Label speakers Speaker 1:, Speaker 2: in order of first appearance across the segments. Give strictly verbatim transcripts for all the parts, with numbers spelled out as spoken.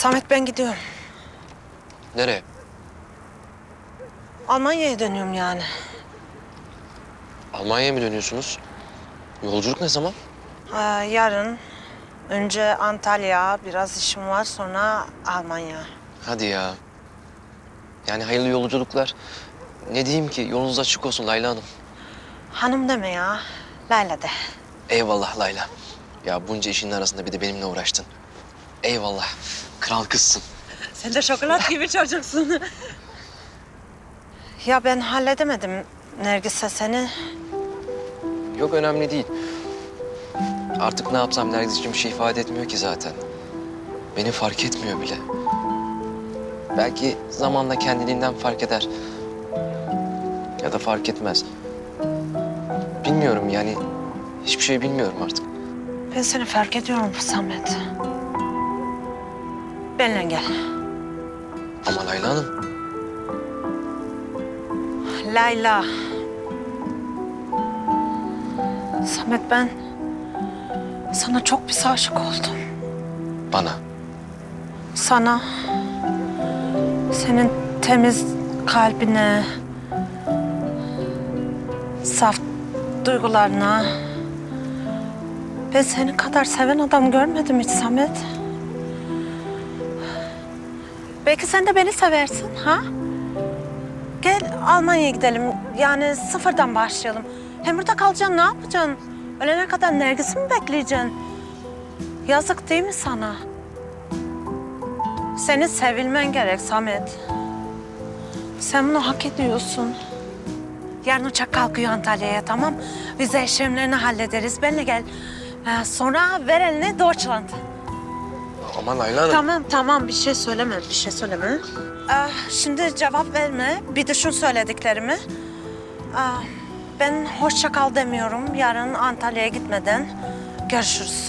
Speaker 1: Samet ben gidiyorum.
Speaker 2: Nereye?
Speaker 1: Almanya'ya dönüyorum yani.
Speaker 2: Almanya'ya mı dönüyorsunuz? Yolculuk ne zaman?
Speaker 1: Ee, yarın önce Antalya, biraz işim var, sonra Almanya.
Speaker 2: Hadi ya. Yani hayırlı yolculuklar. Ne diyeyim ki, yolunuz açık olsun Layla Hanım.
Speaker 1: Hanım deme ya, Layla de.
Speaker 2: Eyvallah Layla. Ya bunca işin arasında bir de benimle uğraştın. Eyvallah. Kral kızsın.
Speaker 1: Sen de şokolat gibi çocuksun. Ya ben halledemedim Nergis'e seni.
Speaker 2: Yok önemli değil. Artık ne yapsam Nergis için bir şey ifade etmiyor ki zaten. Beni fark etmiyor bile. Belki zamanla kendiliğinden fark eder. Ya da fark etmez. Bilmiyorum yani. Hiçbir şey bilmiyorum artık.
Speaker 1: Ben seni fark ediyorum Samet. Benimle gel.
Speaker 2: Ama Layla Hanım.
Speaker 1: Layla. Samet ben sana çok bir aşık oldum.
Speaker 2: Bana.
Speaker 1: Sana, senin temiz kalbine, saf duygularına. Ben senin kadar seven adam görmedim hiç Samet. Belki sen de beni seversin ha? Gel Almanya'ya gidelim. Yani sıfırdan başlayalım. Hem burada kalacaksın, ne yapacaksın? Ölene kadar Nergis'i mi bekleyeceksin? Yazık değil mi sana? Senin sevilmen gerek Samet. Sen bunu hak ediyorsun. Yarın uçak kalkıyor Antalya'ya, tamam? Vize işlemlerini hallederiz. Benimle gel. Ee, sonra ver elini Deutschland.
Speaker 2: Aman Layla Hanım.
Speaker 1: Tamam, tamam. Bir şey söyleme, bir şey söyleme. Ee, şimdi cevap verme. Bir düşün söylediklerimi. Ee, ben hoşça kal demiyorum. Yarın Antalya'ya gitmeden görüşürüz.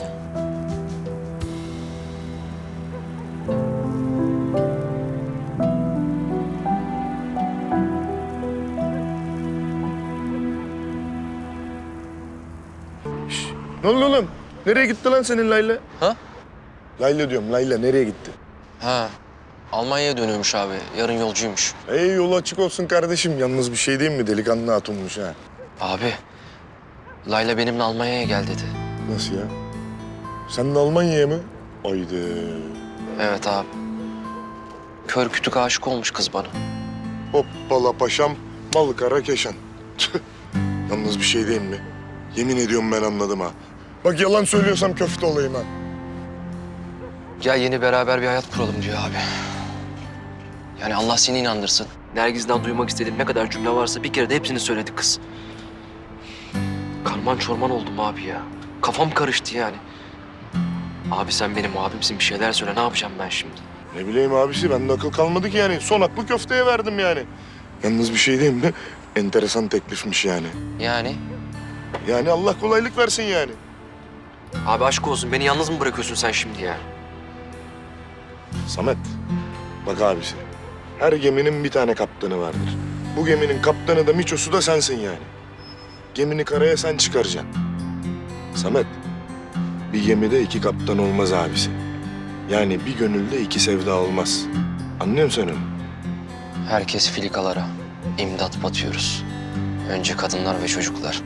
Speaker 3: Ne oldu oğlum? Nereye gitti lan senin Layla?
Speaker 2: Ha?
Speaker 3: Layla diyorum, Layla nereye gitti?
Speaker 2: Ha. Almanya'ya dönüyormuş abi. Yarın yolcuymuş.
Speaker 3: Ey yolu açık olsun kardeşim. Yalnız bir şey değil mi? Delikanlı hatunmuş ha.
Speaker 2: Abi. Layla benimle Almanya'ya gel dedi.
Speaker 3: Nasıl ya? Sen de Almanya'ya mı? Haydi.
Speaker 2: Evet abi. Kör kütük aşık olmuş kız bana.
Speaker 3: Hoppala paşam, bal kara keşan. Tüh. Yalnız bir şey değil mi? Yemin ediyorum ben anladım ha. Bak yalan söylüyorsam köfte olayım ha.
Speaker 2: Gel yeni beraber bir hayat kuralım diyor abi. Yani Allah seni inandırsın. Nergis'den duymak istediğim ne kadar cümle varsa bir kere de hepsini söyledi kız. Karman çorman oldum abi ya. Kafam karıştı yani. Abi sen benim abimsin, bir şeyler söyle. Ne yapacağım ben şimdi?
Speaker 3: Ne bileyim abisi, bende akıl kalmadı ki yani. Son aklı köfteye verdim yani. Yalnız bir şey diyeyim mi? Enteresan teklifmiş yani.
Speaker 2: Yani?
Speaker 3: Yani Allah kolaylık versin yani.
Speaker 2: Abi aşk olsun. Beni yalnız mı bırakıyorsun sen şimdi ya?
Speaker 3: Samet, bak abisi. Her geminin bir tane kaptanı vardır. Bu geminin kaptanı da Miçosu da sensin yani. Gemini karaya sen çıkaracaksın. Samet, bir gemide iki kaptan olmaz abisi. Yani bir gönülde iki sevda olmaz. Anlıyor musun sen onu?
Speaker 2: Herkes filikalara. İmdat batıyoruz. Önce kadınlar ve çocuklar.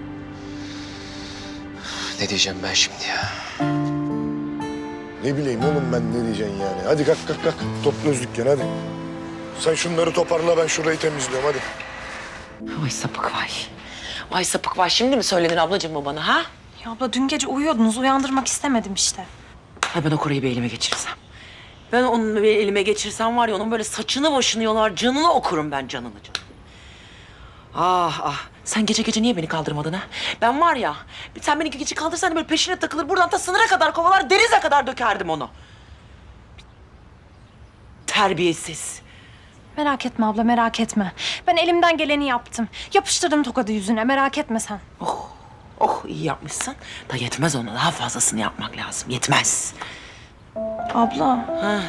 Speaker 2: Ne diyeceğim ben şimdi ya?
Speaker 3: Ne bileyim oğlum ben ne diyeceksin yani. Hadi kalk kalk kalk. Topla dükkanı hadi. Sen şunları toparla, ben şurayı temizliyorum hadi.
Speaker 4: Vay sapık vay. Vay sapık vay. Şimdi mi söyledin ablacığım bu bana ha?
Speaker 5: Ya abla dün gece uyuyordunuz. Uyandırmak istemedim işte.
Speaker 4: Ay ben o Koray'ı bir elime geçirsem. Ben onu bir elime geçirsem var ya onun böyle saçını başını yolar, canını okurum ben canını canını. Ah ah. Sen gece gece niye beni kaldırmadın ha? Ben var ya, sen beni gece kaldırsan böyle peşine takılır, buradan ta sınıra kadar kovalar, denize kadar dökerdim onu. Terbiyesiz.
Speaker 5: Merak etme abla, merak etme. Ben elimden geleni yaptım. Yapıştırdım tokadı yüzüne, merak etme sen.
Speaker 4: Oh, oh iyi yapmışsın. Da yetmez ona, daha fazlasını yapmak lazım. Yetmez.
Speaker 5: Abla,
Speaker 4: Ha.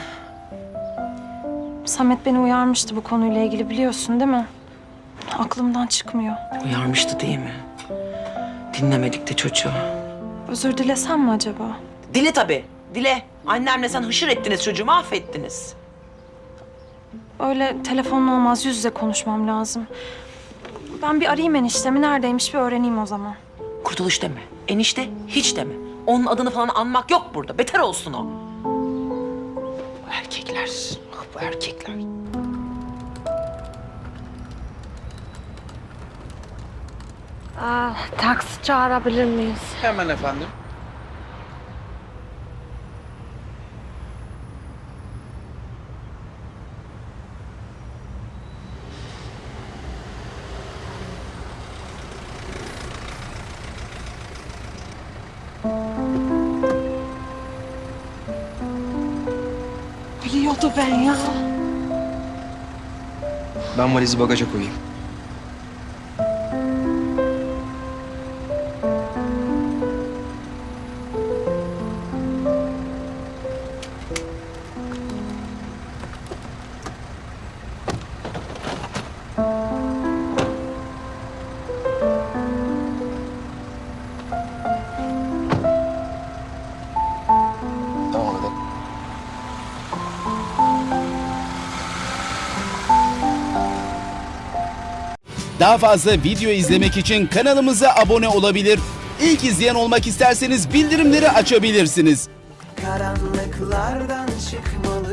Speaker 5: Samet beni uyarmıştı bu konuyla ilgili, biliyorsun değil mi? Aklımdan çıkmıyor.
Speaker 4: Uyarmıştı değil mi? Dinlemedik de çocuğu.
Speaker 5: Özür dilesem mi acaba?
Speaker 4: Dile tabii. Dile, annemle sen hışır ettiniz çocuğu, mahvettiniz.
Speaker 5: Öyle telefonla olmaz, yüz yüze konuşmam lazım. Ben bir arayayım eniştemi, neredeymiş bir öğreneyim o zaman.
Speaker 4: Kurtuluş deme, enişte hiç deme. Onun adını falan anmak yok burada, beter olsun o. Bu erkekler, ah bu erkekler.
Speaker 1: Aa, taksi çağırabilir miyiz?
Speaker 6: Hemen efendim.
Speaker 1: Biliyordu ben ya.
Speaker 2: Ben valizi bagaja koyayım. Tamam hadi.
Speaker 7: Daha fazla video izlemek için kanalımıza abone olabilir. İlk izleyen olmak isterseniz bildirimleri açabilirsiniz.
Speaker 8: Karanlıklardan çıkmalı